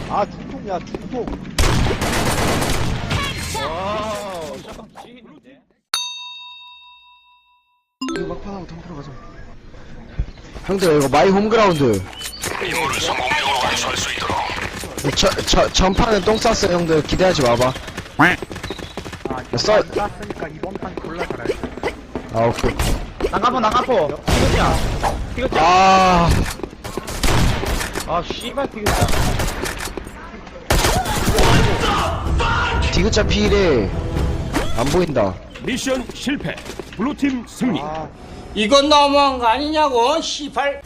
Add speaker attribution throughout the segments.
Speaker 1: 아, 중통이야, 중통.
Speaker 2: 와우, 잠깐 지휘인데.
Speaker 1: 이거 막판하고 덤프러 가자.
Speaker 3: 형들 이거 마이 홈그라운드.
Speaker 4: 임무를 성공적으로 완수할 수 있도록.
Speaker 3: 전판은 똥 쌌어 형들 기대하지 마봐. 써.
Speaker 1: 땄으니까 이번 판 골라 잘해.
Speaker 3: 아 오케이.
Speaker 2: 나가포. 티그자.
Speaker 3: 아
Speaker 2: 아, 씨발, 티그자.
Speaker 3: 디귿자 피일에 안 보인다.
Speaker 4: 미션 실패. 블루팀 승리.
Speaker 1: 아,
Speaker 5: 이건 너무한 거 아니냐고, 시발.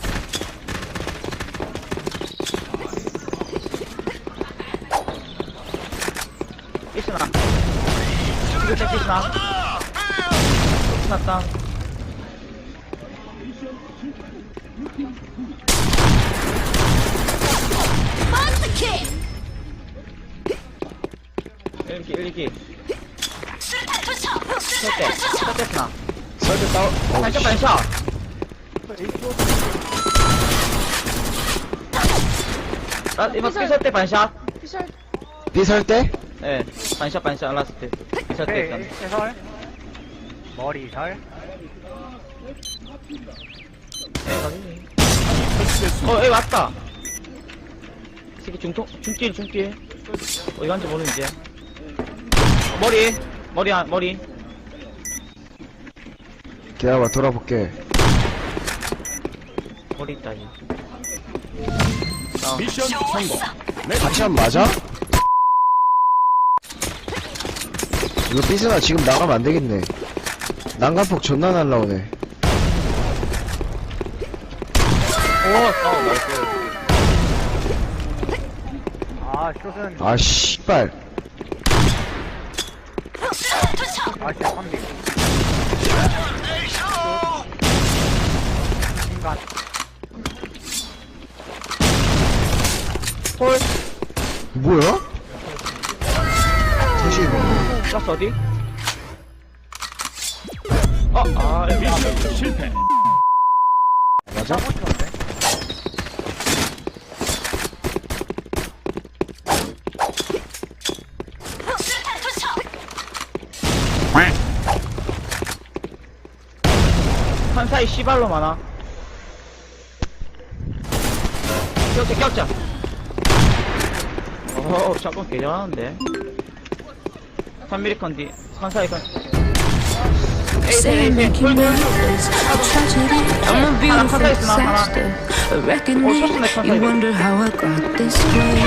Speaker 2: 피스나. 티그자 피스나. 피스났다. 일기. 첫 스나.
Speaker 3: 설대 다운.
Speaker 2: 반샷. 이번 피설 때 반샷.
Speaker 3: 삐설 때?
Speaker 2: 네, 반샷 라스트. 피설 때 있잖아.
Speaker 1: 해설. 머리 설.
Speaker 2: 에 왔다. 새끼 중길. 어디 간지 모르는지. 머리.
Speaker 3: 기다려봐 돌아볼게.
Speaker 2: 머리 있다, 이.
Speaker 4: 미션 성공.
Speaker 3: 같이 한 맞아? 이거 삐스나 지금 나가면 안 되겠네. 난간폭 존나 날라오네.
Speaker 2: 나이스.
Speaker 1: 아, 숏은.
Speaker 3: 아 씨발.
Speaker 1: 아, 진짜 선비. 인간.
Speaker 2: 홀.
Speaker 3: 뭐야? 대신
Speaker 2: 플러스 어디?
Speaker 4: 미션 실패.
Speaker 3: 맞아?
Speaker 2: 한사이 씨발로 많아. 격자. 잠깐 개잘하는데. 3mm 컨디. 한사이 컨.
Speaker 6: Saying making love is a tragedy. I'm a beautiful disaster. A reckoning. You wonder how I got this way.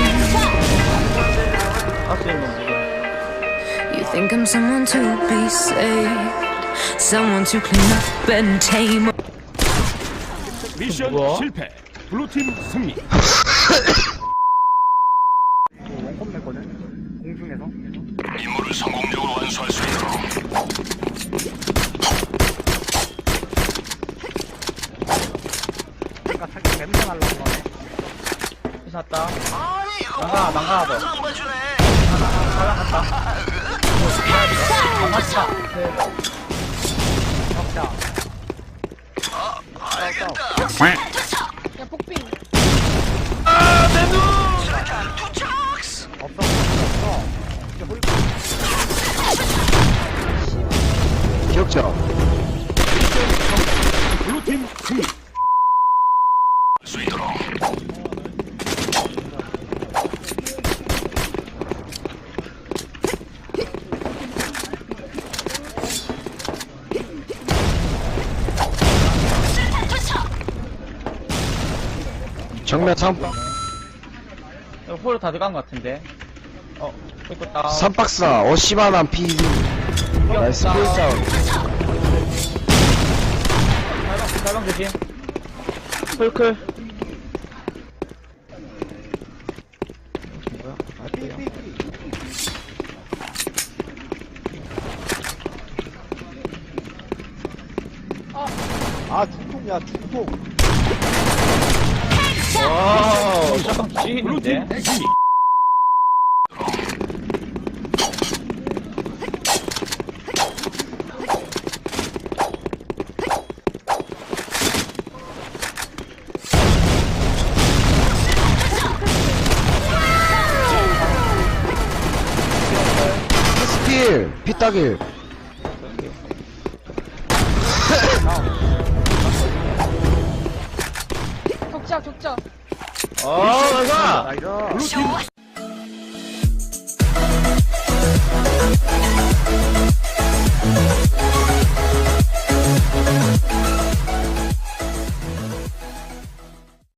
Speaker 6: You think I'm someone to be saved, someone to clean up and tame.
Speaker 4: 미션
Speaker 2: 뭐야?
Speaker 4: 실패. 블루팀 승리.
Speaker 1: 원컵 냈거든? 공중에서.
Speaker 4: 임무를 성공적으로 완수할 수 있도록.
Speaker 1: 그러니까 살짝 냄새 날라고 그러네.
Speaker 2: 피났다. 망가, 너. 잘나갔다. 망갔다.
Speaker 1: 적자.
Speaker 7: 야, 폭빙.
Speaker 1: 없어. 이제 홀.
Speaker 3: 기억자.
Speaker 4: 블루팀 승리. 수 있도록.
Speaker 3: 정면
Speaker 2: 홀로 다 들어간 것 같은데. 이거
Speaker 3: 3박스나 어시바난 피디. 나이스 필자.
Speaker 2: 달방 조심. 홀클. 뭐야?
Speaker 1: 아, 중통이야, 중통.
Speaker 2: 와우, 잠깐 지휘인데.
Speaker 4: 블루팀 승리.
Speaker 3: 필 피따길.
Speaker 7: 격자 격자.
Speaker 2: 어, 나가!
Speaker 1: 나이스.
Speaker 4: 블루팀